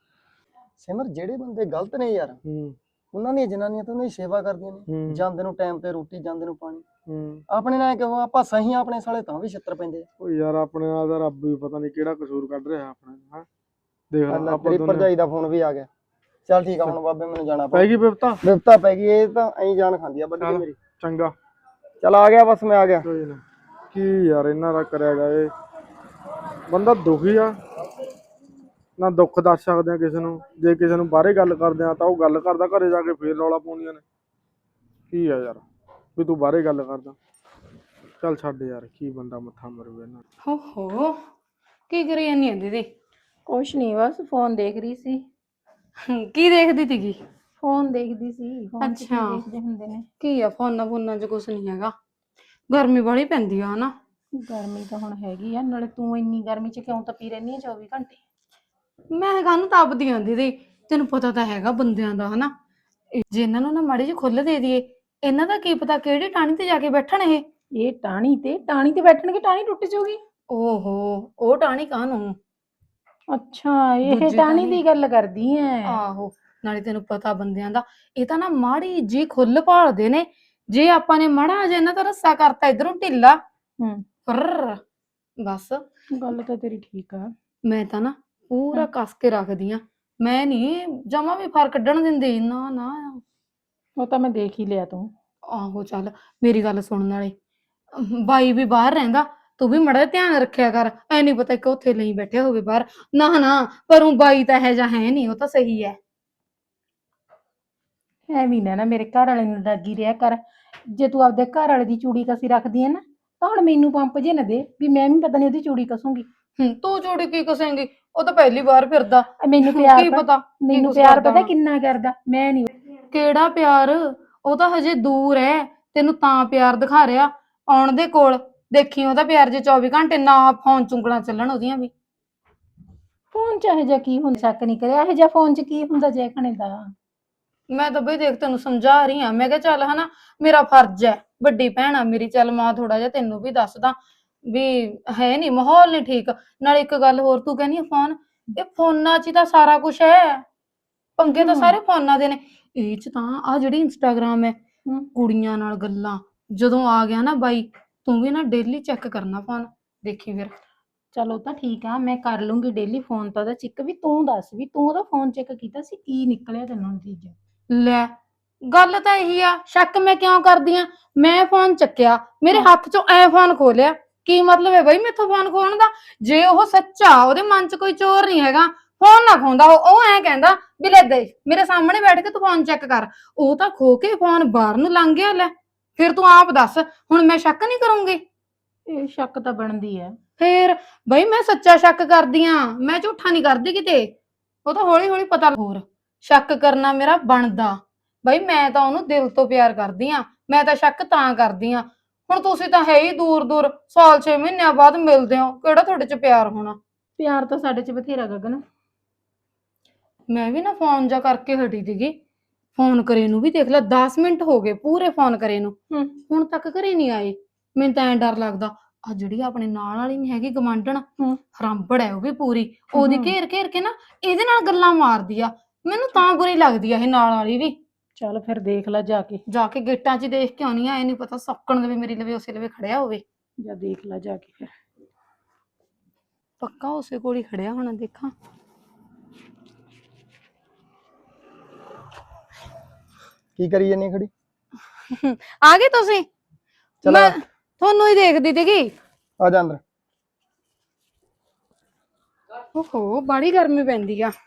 ਸਿਮਰ, ਜਿਹੜੇ ਬੰਦੇ ਗਲਤ ਨੇ ਯਾਰ ਹੂੰ ਉਹਨਾਂ ਦੀਆਂ ਜਨਾਨੀਆਂ ਤਾਂ ਉਹਨਾਂ ਦੀ ਸੇਵਾ ਕਰਦੀਆਂ ਨੇ, ਹੂੰ ਜਾਂਦੇ ਨੂੰ ਟਾਈਮ ਤੇ ਰੋਟੀ, ਜਾਂਦੇ ਨੂੰ ਪਾਣੀ। ਹੂੰ। ਆਪਣੇ ਨਾਲ ਕਿਉਂ ਆਪਾਂ ਸਹੀ ਆ, ਆਪਣੇ ਸਾਲੇ ਤਾਂ ਵੀ ਛਿੱਤਰ ਪੈਂਦੇ ਆ। ਉਹ ਯਾਰ ਆਪਣੇ ਨਾਲ ਤਾਂ ਰੱਬ ਵੀ ਪਤਾ ਨਹੀਂ ਕਿਹੜਾ ਕਸੂਰ ਕੱਢ ਰਿਹਾ ਆਪਣੇ ਨਾਲ। ਦੇਖ ਲਾ ਅੱਲਾ ਆਪਾਂ ਤੇਰੀ ਦੋਨੇ ਭਰਜਾਈ ਦਾ ਫੋਨ ਵੀ ਆ ਗਿਆ। ਚੱਲ ਠੀਕ ਆ ਹੁਣ ਬਾਬੇ ਮੈਨੂੰ ਜਾਣਾ ਪੈ ਗਈ ਬਿਪਤਾ। ਬਿਪਤਾ ਪੈ ਗਈ, ਇਹ ਤਾਂ ਐਂ ਜਾਨ ਖਾਂਦੀ ਆ ਵੱਡੀ ਮੇਰੀ। ਚੰਗਾ ਚੱਲ ਆ ਗਿਆ ਬਸ, ਮੈਂ ਆ ਗਿਆ। ਕੋਈ ਨਾ। ਕੀ ਯਾਰ ਇਹਨਾਂ ਦਾ ਕਰਿਆ ਜਾਏ, ਬੰਦਾ ਦੁਖੀ ਆ ਨਾ, ਦੁੱਖ ਦੱਸ ਸਕਦੇ ਆ ਕਿਸੇ ਨੂੰ। ਜੇ ਕਿਸੇ ਨੂੰ ਬਾਹਰੇ ਗੱਲ ਕਰਦੇ ਆ ਤਾਂ ਉਹ ਗੱਲ ਕਰਦਾ, ਘਰੇ ਜਾ ਕੇ ਫੇਰ ਰੌਲਾ ਪਾਉਂਦੀਆਂ ਨੇ। ਕੀ ਆ ਯਾਰ ਵੀ ਤੂੰ ਬਾਹਰੇ ਗੱਲ ਕਰਦਾ। ਚੱਲ ਛੱਡ ਯਾਰ, ਕੀ ਬੰਦਾ ਮੱਥਾ ਮਰੂ ਇਹਨਾਂ। ਹੋ ਹੋ ਕੀ ਕਰੀ ਜਾਂਦੀ ਆ ਦੀਦੀ? ਕੁਛ ਨਹੀਂ, ਬਸ ਫੋਨ ਦੇਖ ਰਹੀ ਸੀ। ਕੀ ਦੇਖਦੀ ਸੀਗੀ? ਫੋਨ ਦੇਖਦੀ ਸੀ। ਫੋਨ 'ਚ ਕੀ ਅੱਛਾ। ਦੇਖਦੇ ਹੁੰਦੇ ਨੇ। ਕੀ ਆ ਫੋਨਾਂ ਫੋਨਾਂ 'ਚ ਕੁਛ ਨਹੀਂ ਹੈਗਾ। ਗਰਮੀ ਬੜੀ ਪੈਂਦੀ ਆ ਹਨਾ। ਗਰਮੀ ਤਾਂ ਹੁਣ ਹੈਗੀ ਆ, ਨਾਲੇ ਤੂੰ ਇੰਨੀ ਗਰਮੀ 'ਚ ਕਿਉਂ ਤਪੀ ਰਹਿੰਦੀ ਆ ਚੌਵੀ ਘੰਟੇ? ਮੈਂ ਕਾਹਨੂੰ ਤਪਦੀ ਆਂ ਦੀਦੀ, ਤੈਨੂੰ ਪਤਾ ਤਾਂ ਹੈਗਾ ਬੰਦਿਆਂ ਦਾ ਹਨਾ। ਇਹ ਜੇ ਇਹਨਾਂ ਨੂੰ ਨਾ ਮਾੜੀ ਜਿਹੀ ਖੁੱਲ੍ਹ ਦੇ ਦਈਏ, ਇਹਨਾਂ ਦਾ ਕੀ ਪਤਾ ਕਿਹੜੀ ਟਾਹਣੀ ਤੇ ਜਾ ਕੇ ਬੈਠਣ ਇਹ। ਇਹ ਟਾਹਣੀ ਤੇ ਟਾਹਣੀ ਤੇ ਬੈਠਣਗੇ, ਟਾਹਣੀ ਟੁੱਟ ਜਾਊਗੀ। ਓਹੋ, ਉਹ ਟਾਹਣੀ ਕਾਹਨੂੰ? ਅੱਛਾ, ਇਹ ਦੂਜੀ ਟਾਹਣੀ ਟਾਹਣੀ। ਦੀ ਗੱਲ ਕਰਦੀ ਐ। ਆਹੋ, ਨਾਲੇ ਤੈਨੂੰ ਪਤਾ ਬੰਦਿਆਂ ਦਾ ਇਹ ਤਾਂ ਨਾ ਮਾੜੀ ਜੀ ਖੁੱਲ ਭਾਲਦੇ ਨੇ। ਜੇ ਆਪਾਂ ਨੇ ਮਾੜਾ ਜਿਹਾ ਇਹਨਾਂ ਦਾ ਰੱਸਾ ਕਰਤਾ ਇਧਰੋਂ ਢਿੱਲਾ, ਹੂੰ, ਫਰ ਬਸ। ਗੱਲ ਤਾਂ ਤੇਰੀ ਠੀਕ ਆ। ਮੈਂ ਤਾਂ ਨਾ ਪੂਰਾ ਕੱਸ ਕੇ ਰੱਖਦੀ ਆ। ਮੈਂ ਨਹੀਂ ਜਮਾ ਵੀ ਫਰ ਕੱਢਣ ਦਿੰਦੀ, ਨਾ ਨਾ। ਉਹ ਤਾਂ ਮੈਂ ਦੇਖ ਹੀ ਲਿਆ ਤੂੰ। ਆਹੋ ਚੱਲ ਮੇਰੀ ਗੱਲ ਸੁਣਨ ਵਾਲੇ, ਬਾਈ ਵੀ ਬਾਹਰ ਰਹਿੰਦਾ, ਤੂੰ ਵੀ ਮੜਾ ਧਿਆਨ ਰੱਖਿਆ ਕਰ। ਐ ਨਹੀਂ ਪਤਾ ਕਿ ਉੱਥੇ ਲਈ ਬੈਠਿਆ ਹੋਵੇ ਬਾਹਰ। ਨਾ ਨਾ, ਪਰ ਉਹ ਬਾਈ ਤਾਂ ਇਹੋ ਜਿਹਾ ਹੈ ਨਹੀਂ, ਉਹ ਤਾਂ ਸਹੀ ਹੈ। ਐਵੇਂ ਨਾ ਨਾ ਮੇਰੇ ਘਰ ਵਾਲੇ ਨੂੰ ਲੱਗੀ ਰਿਹਾ ਕਰ। ਜੇ ਤੂੰ ਆਪਦੇ ਘਰ ਵਾਲੇ ਦੀ ਚੂੜੀ ਕਸੀ ਰੱਖਦੀ ਐ ਨਾ, ਤਾਂ ਹੁਣ ਮੈਨੂੰ ਪੰਪ ਜੇ ਨਾ ਦੇ ਵੀ ਮੈਂ ਵੀ ਪਤਾ ਨਹੀਂ ਉਹਦੀ ਚੂੜੀ ਕਸੂੰਗੀ। ਹੂੰ, ਤੂੰ ਚੂੜੀ ਕੀ ਕਸੇਂਗੀ? ਉਹ ਤਾਂ ਪਹਿਲੀ ਵਾਰ ਫਿਰਦਾ। ਮੈਨੂੰ ਪਿਆਰ ਕੀ ਪ- ਪਤਾ ਮੈਨੂੰ ਕੁਛ ਪਿਆਰ ਕਰਦਾ ਪਤਾ ਹੋਣਾ। ਕਿੰਨਾ ਕਰਦਾ, ਮੈਂ ਨਹੀਂ। ਕਿਹੜਾ ਪਿਆਰ? ਉਹ ਤਾਂ ਹਜੇ ਦੂਰ ਹੈ, ਤੈਨੂੰ ਤਾਂ ਪਿਆਰ ਦਿਖਾ ਰਿਹਾ। ਆਉਣ ਦੇ ਕੋਲ ਦੇਖੀ ਉਹਦਾ ਪਿਆਰ, ਜੇ ਚੌਵੀ ਘੰਟੇ ਨਾ ਫੋਨ ਚੁੰਗਲਾਂ ਚੱਲਣ ਉਹਦੀਆਂ ਵੀ। ਫੋਨ 'ਚ ਇਹੋ ਜਿਹਾ ਕੀ ਹੁੰਦਾ? ਸ਼ੱਕ ਨਹੀਂ ਕਰਿਆ, ਇਹੋ ਜਿਹਾ ਫੋਨ 'ਚ ਕੀ ਹੁੰਦਾ ਜੈਖਣੇ ਦਾ? ਮੈਂ ਤਾਂ ਬਈ ਦੇਖ ਤੈਨੂੰ ਸਮਝਾ ਰਹੀ ਹਾਂ। ਮੈਂ ਕਿਹਾ ਚੱਲ ਹਨਾ, ਮੇਰਾ ਫਰਜ਼ ਹੈ, ਵੱਡੀ ਭੈਣ ਆ ਮੇਰੀ, ਚੱਲ ਮਾਂ ਥੋੜਾ ਜਿਹਾ ਤੈਨੂੰ ਵੀ ਦੱਸਦਾ ਵੀ ਹੈ ਨਹੀਂ, ਮਾਹੌਲ ਨਹੀਂ ਠੀਕ। ਨਾਲ ਇੱਕ ਗੱਲ ਹੋਰ, ਤੂੰ ਕਹਿੰਦੀ ਆ ਫੋਨ, ਇਹ ਫੋਨਾਂ 'ਚ ਹੀ ਤਾਂ ਸਾਰਾ ਕੁਛ ਹੈ। ਪੰਗੇ ਤਾਂ ਸਾਰੇ ਫੋਨਾਂ ਦੇ ਨੇ। ਇਹ 'ਚ ਤਾਂ ਆ ਜਿਹੜੀ ਇੰਸਟਾਗ੍ਰਾਮ ਹੈ, ਹੂੰ। ਕੁੜੀਆਂ ਨਾਲ ਗੱਲਾਂ ਜਦੋਂ ਆ ਗਿਆ ਨਾ ਬਾਈ, ਤੂੰ ਵੀ ਨਾ ਡੇਲੀ ਚੈੱਕ ਕਰਨਾ ਫੋਨ, ਦੇਖੀ ਫਿਰ। ਚਲੋ ਤਾਂ ਠੀਕ ਆ, ਮੈਂ ਕਰ ਲੂੰਗੀ ਡੇਲੀ ਫੋਨ ਤਾਂ ਉਹਦਾ ਚੈੱਕ। ਵੀ ਤੂੰ ਦੱਸ ਵੀ ਤੂੰ ਉਹਦਾ ਫੋਨ ਚੈੱਕ ਕੀਤਾ ਸੀ, ਕੀ ਨਿਕਲਿਆ ਤੈਨੂੰ ਨਤੀਜਾ? ਲੈ, ਗੱਲ ਤਾਂ ਇਹੀ ਆ। ਸ਼ੱਕ ਮੈਂ ਕਿਉਂ ਕਰਦੀ ਆ? ਮੈਂ ਫੋਨ ਚੱਕਿਆ, ਮੇਰੇ ਹੱਥ 'ਚੋਂ ਐ ਫੋਨ ਖੋਲਿਆ, ਕੀ ਮਤਲਬ ਹੈ ਬਈ ਮੈਥੋਂ ਫੋਨ ਖੋਹਣ ਦਾ? ਜੇ ਉਹ ਸੱਚਾ, ਉਹਦੇ ਮਨ 'ਚ ਕੋਈ ਚੋਰ ਨਹੀਂ ਹੈਗਾ, ਫੋਨ ਨਾ ਖੋਂਦਾ। ਉਹ ਉਹ ਐ ਕਹਿੰਦਾ ਵੀ ਲੈ ਦੇ ਮੇਰੇ ਸਾਹਮਣੇ ਬੈਠ ਕੇ ਤੂੰ ਫੋਨ ਚੈੱਕ ਕਰ। ਉਹ ਤਾਂ ਖੋ ਕੇ ਫੋਨ ਬਾਹਰ ਨੂੰ ਲੰਘ ਗਿਆ। ਲੈ ਫਿਰ ਤੂੰ ਆਪ ਦੱਸ, ਹੁਣ ਮੈਂ ਸ਼ੱਕ ਨਹੀਂ ਕਰੂੰਗੀ? ਇਹ ਸ਼ੱਕ ਤਾਂ ਬਣਦੀ ਹੈ। ਫੇਰ ਬਈ ਮੈਂ ਸੱਚਾ ਸ਼ੱਕ ਕਰਦੀ ਆ, ਮੈਂ ਝੂਠਾ ਨਹੀਂ ਕਰਦੀ ਕਿਤੇ। ਉਹ ਤਾਂ ਹੌਲੀ ਹੌਲੀ ਪਤਾ। ਹੋਰ ਸ਼ੱਕ ਕਰਨਾ ਮੇਰਾ ਬਣਦਾ ਬਈ, ਮੈਂ ਤਾਂ ਉਹਨੂੰ ਦਿਲ ਤੋਂ ਪਿਆਰ ਕਰਦੀ ਆ। ਮੈਂ ਤਾਂ ਸ਼ੱਕ ਤਾਂ ਕਰਦੀ ਆ। ਹੁਣ ਤੁਸੀਂ ਤਾਂ ਹੈ ਹੀ ਦੂਰ ਦੂਰ, ਸਾਲ ਛੇ ਮਹੀਨਿਆਂ ਬਾਅਦ ਮਿਲਦੇ ਹੋ, ਕਿਹੜਾ ਤੁਹਾਡੇ 'ਚ ਪਿਆਰ ਹੋਣਾ? ਪਿਆਰ ਤਾਂ ਸਾਡੇ 'ਚ ਬਥੇਰਾ ਗਗਨ। ਮੈਂ ਵੀ ਨਾ ਫੋਨ ਜਾ ਕਰਕੇ ਹਟੀ ਸੀਗੀ। ਫੋਨ ਕਰੇ ਨੂੰ ਵੀ ਦੇਖ ਲੈ ਦਸ ਮਿੰਟ ਹੋ ਗਏ ਪੂਰੇ, ਫੋਨ ਕਰੇ ਨੂੰ ਹੂੰ। ਹੁਣ ਤੱਕ ਘਰੇ ਨਹੀਂ ਆਏ। ਮੈਨੂੰ ਤਾਂ ਐਂ ਡਰ ਲੱਗਦਾ ਆ ਜਿਹੜੀ ਆਪਣੇ ਨਾਲ ਵਾਲੀ ਨਹੀਂ ਹੈਗੀ ਗਵਾਂਢਣ ਹੂੰ। ਹਰਾਂਬੜ ਹੈ ਉਹ ਵੀ ਪੂਰੀ ਉਹਦੀ ਹੂੰ। ਘੇਰ ਘੇਰ ਕੇ ਨਾ ਇਹਦੇ ਨਾਲ ਗੱਲਾਂ ਮਾਰਦੀ ਆ ਮੈਨੂੰ ਤਾਂ ਬੁਰੀ ਲੱਗਦੀ ਆ ਇਹ ਨਾਲ ਵਾਲੀ ਵੀ ਚੱਲ ਫਿਰ ਦੇਖ ਲੈ ਜਾ ਕੇ ਜਾ ਕੇ ਗੇਟਾਂ 'ਚ ਹੀ ਦੇਖ ਕੇ ਆਉਣੀ ਆ ਇਹ ਨਹੀਂ ਪਤਾ ਸੌਕਣ ਦੇ ਵੀ ਮੇਰੀ ਲਵੇ ਉਸੇ ਲਵੇ ਖੜਿਆ ਹੋਵੇ ਜਾ ਦੇਖ ਲੈ ਜਾ ਕੇ ਫਿਰ ਪੱਕਾ ਉਸੇ ਕੋਲ ਹੀ ਖੜਿਆ ਹੋਣਾ ਦੇਖਾਂ ਕੀ ਕਰੀ ਜਾਨੀ ਖੜੀ? ਆ ਗਏ ਤੁਸੀਂ ਚਲ ਮੈਂ ਤੁਹਾਨੂੰ ਹੀ ਦੇਖਦੀ ਸੀਗੀ ਆ ਜਾ ਅੰਦਰ। ਓਹੋ ਬੜੀ ਗਰਮੀ ਪੈਂਦੀ ਆ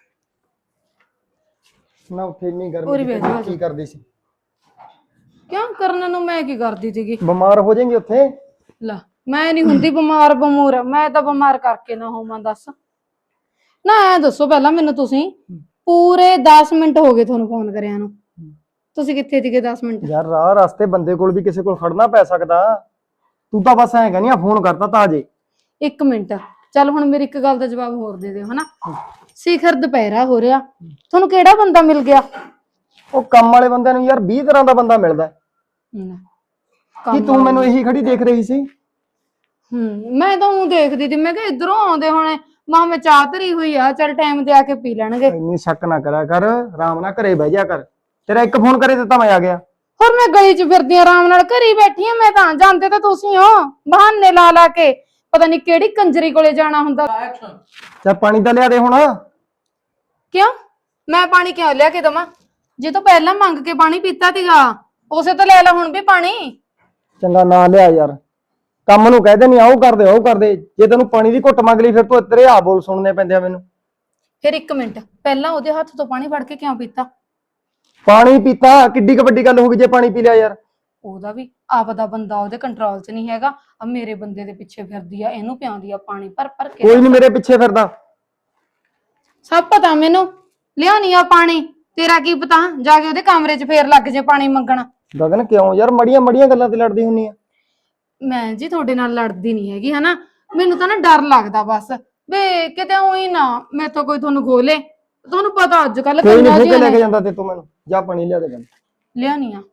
ਨਾ ਉੱਥੇ ਇੰਨੀ ਉਰੇ ਗਰਮੀ ਬਹਿ ਜਾ, ਆ ਜਾ। ਕੀ ਕਰਦੀ ਸੀ? ਕਿਉਂ ਕਰਨ ਨੂੰ ਮੈਂ ਕੀ ਕਰਦੀ ਸੀਗੀ ਬਿਮਾਰ ਹੋ ਜਾਏਂਗੇ ਉੱਥੇ। ਲਾ ਮੈਂ ਨਹੀਂ ਹੁੰਦੀ ਬਿਮਾਰ ਬਮੂਰ ਮੈਂ ਤਾਂ ਬਿਮਾਰ ਕਰਕੇ ਨਾ ਹੋਵਾਂ ਦੱਸ ਨਾ ਐ ਦੱਸੋ ਪਹਿਲਾਂ ਮੈਨੂੰ ਤੁਸੀਂ ਪੂਰੇ ਦਸ ਮਿੰਟ ਹੋ ਗਏ ਤੁਹਾਨੂੰ ਫੋਨ ਕਰਿਆ ਨੂੰ ਤੁਸੀਂ ਕਿੱਥੇ ਸੀਗੇ ਦਸ ਮਿੰਟ ਯਾਰ ਰਾਹ ਰਸਤੇ ਬੰਦੇ ਕੋਲ ਵੀ ਕਿਸੇ ਕੋਲ ਖੜਨਾ ਪੈ ਸਕਦਾ। ਤੂੰ ਤਾਂ ਬਸ ਐਂ ਕਹਿੰਦੀ ਆ ਫੋਨ ਕਰਤਾ ਤਾਂ ਅਜੇ। ਇੱਕ ਮਿੰਟ ਚੱਲ ਹੁਣ ਮੇਰੀ ਇੱਕ ਗੱਲ ਦਾ ਜਵਾਬ ਹੋਰ ਦੇ ਦਿਓ ਹਨਾ ਸਿਖਰ ਦੁਪਹਿਰਾ ਹੋ ਰਿਹਾ ਤੁਹਾਨੂੰ ਕਿਹੜਾ ਬੰਦਾ ਮਿਲ ਗਿਆ ਉਹ ਕੰਮ ਵਾਲੇ ਬੰਦਿਆਂ ਨੂੰ ਯਾਰ ਵੀਹ ਤਰ੍ਹਾਂ ਦਾ ਬੰਦਾ ਮਿਲਦਾ। ਲੈ, ਕੀ ਕੰਮ ਤੂੰ ਮੈਨੂੰ ਇਹੀ ਖੜੀ ਦੇਖ ਰਹੀ ਸੀ? ਹੂੰ ਮੈਂ ਤਾਂ ਉਹ ਦੇਖਦੀ ਸੀ ਮੈਂ ਕਿਹਾ ਇਧਰੋਂ ਆਉਂਦੇ ਹੋਣੇ ਮਾਂ ਮੈਂ ਚਾਹ ਧਰੀ ਹੋਈ ਆ ਚੱਲ ਟਾਈਮ ਤੇ ਆ ਕੇ ਪੀ ਲੈਣਗੇ ਇੰਨੀ ਸ਼ੱਕ ਨਾ ਕਰਿਆ ਕਰ, ਆਰਾਮ ਨਾਲ ਘਰੇ ਬਹਿ ਜਾ ਕਰ। ਤੇਰਾ ਇੱਕ ਫੋਨ ਕਰੇ ਦਿੱਤਾ ਮੈਂ ਆ ਗਿਆ। ਹੋਰ ਮੈਂ ਗਲੀ 'ਚ ਫਿਰਦੀ ਆਂ ਆਰਾਮ ਨਾਲ ਘਰੇ ਹੀ ਬੈਠੀ ਆ ਮੈਂ ਤਾਂ ਜਾਂਦੇ ਤਾਂ ਤੁਸੀਂ ਹੋ ਬਹਾਨੇ ਲਾ ਲਾ ਕੇ ਪਤਾ ਨਹੀਂ ਕਿਹੜੀ ਕੰਜਰੀ ਕੋਲੇ ਜਾਣਾ ਹੁੰਦਾ ਚੱਲ ਪਾਣੀ ਤਾਂ ਲਿਆ ਦੇ ਹੁਣ। ਕਿਉਂ ਮੈਂ ਪਾਣੀ ਕਿਉਂ ਲਿਆ ਕੇ ਦਵਾਂ ਜੇ ਤੂੰ ਪਹਿਲਾਂ ਮੰਗ ਕੇ ਪਾਣੀ ਪੀਤਾ ਸੀਗਾ ਉਸੇ ਤੋਂ ਲੈ ਲੈ ਹੁਣ ਵੀ ਪਾਣੀ ਚੰਗਾ ਨਾ ਲਿਆ ਯਾਰ, ਕੰਮ ਨੂੰ ਕਹਦੇ ਨਹੀਂ ਆਉ ਕਰਦੇ ਆਉ ਕਰਦੇ। ਜੇ ਤੈਨੂੰ ਪਾਣੀ ਦੀ ਘੁੱਟ ਮੰਗ ਲਈ ਫਿਰ ਤੂੰ ਤੇਰੇ ਆ ਬੋਲ ਸੁਣਨੇ ਪੈਂਦੇ ਆ ਮੈਨੂੰ। ਫਿਰ ਇੱਕ ਮਿੰਟ ਪਹਿਲਾਂ ਉਹਦੇ ਹੱਥ ਤੋਂ ਪਾਣੀ ਫੜ ਕੇ ਕਿਉਂ ਪੀਤਾ ਪਾਣੀ ਪੀਤਾ ਕਿੱਡੀ ਕੁ ਵੱਡੀ ਗੱਲ ਹੋ ਗਈ ਜੇ ਪਾਣੀ ਪੀ ਲਿਆ ਯਾਰ। ਉਹਦਾ ਵੀ ਆਪਦਾ ਬੰਦਾ ਉਹਦੇ ਕੰਟਰੋਲ 'ਚ ਨਹੀਂ ਹੈਗਾ ਆ ਮੇਰੇ ਬੰਦੇ ਦੇ ਪਿੱਛੇ ਫਿਰਦੀ ਆ ਇਹਨੂੰ ਪਿਆਉਂਦੀ ਆ ਪਾਣੀ ਭਰ ਭਰ ਕੇ ਕੋਈ ਨਹੀਂ ਮੇਰੇ ਪਿੱਛੇ ਫਿਰਦਾ। ਸਭ ਪਤਾ ਮੈਨੂੰ ਲਿਆਉਣੀ ਆ ਪਾਣੀ ਤੇਰਾ ਕੀ ਪਤਾ ਜਾ ਕੇ ਉਹਦੇ ਕਮਰੇ 'ਚ ਫੇਰ ਲੱਗ ਜੇ ਪਾਣੀ ਮੰਗਣ ਗਗਨ ਕਿਉਂ ਯਾਰ ਮੜੀਆਂ ਮੜੀਆਂ ਗੱਲਾਂ ਤੇ ਲੜਦੀ ਹੁੰਨੀ ਆ? ਮੈਂ ਜੀ ਤੁਹਾਡੇ ਨਾਲ ਲੜਦੀ ਨਹੀਂ ਹੈਗੀ ਹਨਾ ਮੈਨੂੰ ਤਾਂ ਨਾ ਡਰ ਲੱਗਦਾ ਬਸ ਵੇ ਕਿਤੇ ਉਹੀ ਨਾ ਮੈਥੋਂ ਕੋਈ ਤੁਹਾਨੂੰ ਖੋਲੇ ਤੁਹਾਨੂੰ ਪਤਾ ਅੱਜ ਕੱਲ ਕੋਈ ਨਹੀਂ ਫੇਰ ਲੈ ਕੇ ਜਾਂਦਾ ਤੇ ਤੂੰ ਮੈਨੂੰ ਜਾ ਪਾਣੀ ਲਿਆ ਦੇ ਮੈਨੂੰ। ਲਿਆਉਣੀ ਆ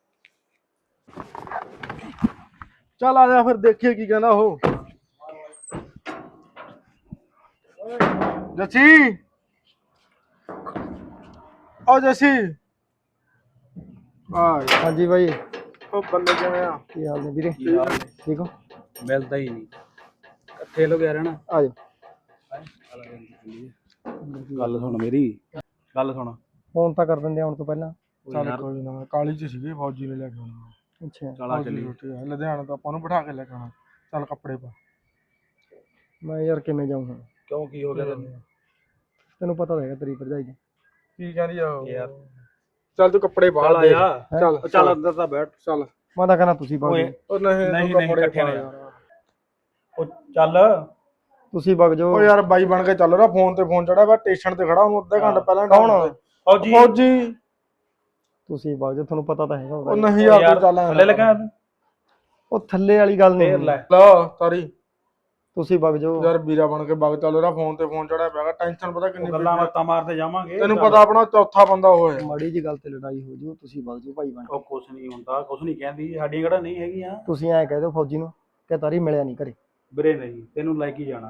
ਚੱਲ ਆ ਜਾ ਫਿਰ ਦੇਖੀਏ ਕੀ ਕਹਿੰਦਾ ਉਹ। ਜੱਸੀ ਓ ਜੱਸੀ ਆ ਹਾਂਜੀ ਬਾਈ ਉਹ ਬੱਲੇ ਕਿਵੇਂ ਆ? ਕੀ ਹਾਲ ਨੇ ਵੀਰੇ? ਠੀਕ ਹੋ? ਮਿਲਦਾ ਹੀ ਨਹੀਂ ਇਕੱਠੇ ਲੋ ਗਿਆ ਰਹਿਣਾ। ਆ ਜਾ। ਗੱਲ ਸੁਣ ਮੇਰੀ ਗੱਲ ਸੁਣ ਫੋਨ ਤਾਂ ਕਰ ਦਿੰਦੇ ਆਉਣ ਤੋਂ ਪਹਿਲਾਂ। ਚੱਲ ਕੋਈ ਨਾ ਕਾਲੀ ਚ ਸੀਗੇ ਫੌਜੀ ਨੇ ਲੈ ਕੇ ਆਉਣਾ। ਅੱਛਾ ਚਲਾ ਚੱਲੀ ਲੁਧਿਆਣਾ ਤੋਂ ਆਪਾਂ ਨੂੰ ਬਿਠਾ ਕੇ ਲੈ ਕੇ ਆਉਣਾ। ਚੱਲ ਕੱਪੜੇ ਪਾ। ਮੈਂ ਯਾਰ ਕਿਵੇਂ ਜਾਊਂ ਹੁਣ? ਕਿਉਂ ਕੀ ਹੋ ਗਿਆ ਤੈਨੂੰ? ਤੈਨੂੰ ਪਤਾ ਤਾਂ ਹੈਗਾ ਤੇਰੀ ਭਰਜਾਈ ਦਾ। ਕੀ ਕਹਿੰਦੀ ਆ ਉਹ? ਯਾਰ ਚੱਲ ਤੂੰ ਕੱਪੜੇ ਪਾ ਚੱਲ ਦੇ। ਆਇਆ ਚੱਲ ਚੱਲ ਅੰਦਰ ਤਾਂ ਬੈਠ। ਚੱਲ ਮੈਂ ਤਾਂ ਕਹਿੰਦਾ ਤੁਸੀਂ ਵਗ ਓਏ ਜਾਓ। ਉਹ ਨਹੀਂ ਨਹੀਂ, ਤੂੰ ਨਹੀਂ, ਕੱਪੜੇ ਇਕੱਠੇ ਪਾ ਨਾ ਯਾਰ। ਉਹ ਚੱਲ ਤੁਸੀਂ ਵਗ ਜਾਓ। ਉਹ ਯਾਰ ਬਾਈ ਬਣ ਕੇ ਚੱਲ ਰਿਹਾ ਫੋਨ ਤੇ ਫੋਨ ਚੜਿਆ ਵਾ ਸਟੇਸ਼ਨ ਤੇ ਖੜਾ ਉਹਨੂੰ ਅੱਧੇ ਘੰਟੇ ਪਹਿਲਾਂ ਕੌਣ? ਫੌਜੀ ਫੌਜੀ। ਤੁਸੀਂ ਵਗ ਜਾਓ ਤੁਹਾਨੂੰ ਪਤਾ ਤਾਂ ਹੈਗਾ ਉਹ ਉਹਦਾ। ਨਹੀਂ ਯਾਰ ਤੂੰ ਚੱਲ ਥੱਲੇ ਲੱਗਾ ਉਹ ਥੱਲੇ ਵਾਲੀ ਗੱਲ ਫੇਰ ਨਹੀਂ। ਲੈ ਲਾ ਤਾਰੀ ਤੁਸੀਂ ਵਗ ਜਾਓ। ਯਾਰ ਵੀਰਾ ਬਣ ਕੇ ਵਗ ਚੱਲ ਰਿਹਾ ਫੋਨ ਤੇ ਫੋਨ ਚੜਿਆ ਪਿਆਗਾ ਟੈਨਸ਼ਨ ਪਤਾ ਕਿੰਨੀ ਉਹ ਗੱਲਾਂ ਪਈ ਆ। ਬਾਤਾਂ ਮਾਰਦੇ ਜਾਵਾਂਗੇ। ਤੈਨੂੰ ਪਤਾ ਆਪਣਾ ਚੌਥਾ ਬੰਦਾ ਉਹ ਹੈ। ਮਾੜੀ ਜੀ ਗੱਲ ਤੇ ਲੜਾਈ ਹੋ ਜਾਊ ਤੁਸੀਂ ਵਗ ਜਾਓ ਭਾਈ ਬਣ ਕੇ। ਉਹ ਕੁਛ ਨਹੀਂ ਹੁੰਦਾ ਕੁਛ ਨਹੀਂ ਕਹਿੰਦੀ ਸਾਡੀਆਂ ਕਿਹੜਾ ਨਹੀਂ ਹੈਗੀਆਂ ਤੁਸੀਂ ਐਂ ਕਹਿ ਦਿਓ ਫੌਜੀ ਨੂੰ ਕਿ ਤਾਰੀ ਮਿਲਿਆ ਨਹੀਂ ਘਰੇ। ਵੀਰੇ ਨਹੀਂ ਤੈਨੂੰ ਲੈ ਕੇ ਜਾਣਾ।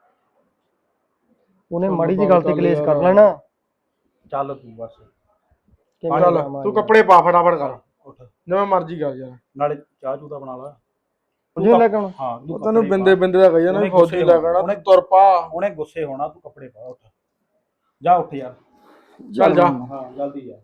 ਉਹਨੇ ਮਾੜੀ ਜੀ ਗੱਲ ਤੇ ਕਲੇਸ਼ ਕਰ ਲੈਣਾ। ਚੱਲ ਤੂੰ ਬਸ ਕਿਵੇਂ ਚੱਲ ਜਾਵਾਂ ਤੂੰ ਯਾਰ? ਕੱਪੜੇ ਪਾ ਫਟਾਫਟ ਕਰ ਉੱਠ ਜਿਵੇਂ ਮਰਜ਼ੀ ਕਰ ਯਾਰ। ਨਾਲੇ ਚਾਹ ਚੂਹ ਤਾਂ ਬਣਾ ਲਾ। ਉਹਨੂੰ ਲੈ ਕੇ ਆਉਣਾ। ਹਾਂ ਤੂੰ ਉਹ ਤੈਨੂੰ ਕੱਪੜੇ ਬਿੰਦੇ ਪਾ। ਬਿੰਦੇ ਦਾ ਕਹੀ ਜਾਂਦਾ ਵੀ ਉਹਨੇ ਫੌਜੀ ਲੈ ਕੇ ਆਉਣਾ ਉਹਨੇ- ਤੂੰ ਤੁਰ ਪਾ। ਉਹਨੇ ਗੁੱਸੇ ਹੋਣਾ ਤੂੰ ਕੱਪੜੇ ਪਾ ਉੱਠ ਜਾ ਉੱਠ ਯਾਰ ਚੱਲ ਜਾ। ਹਾਂ ਜਲਦੀ ਜਾ।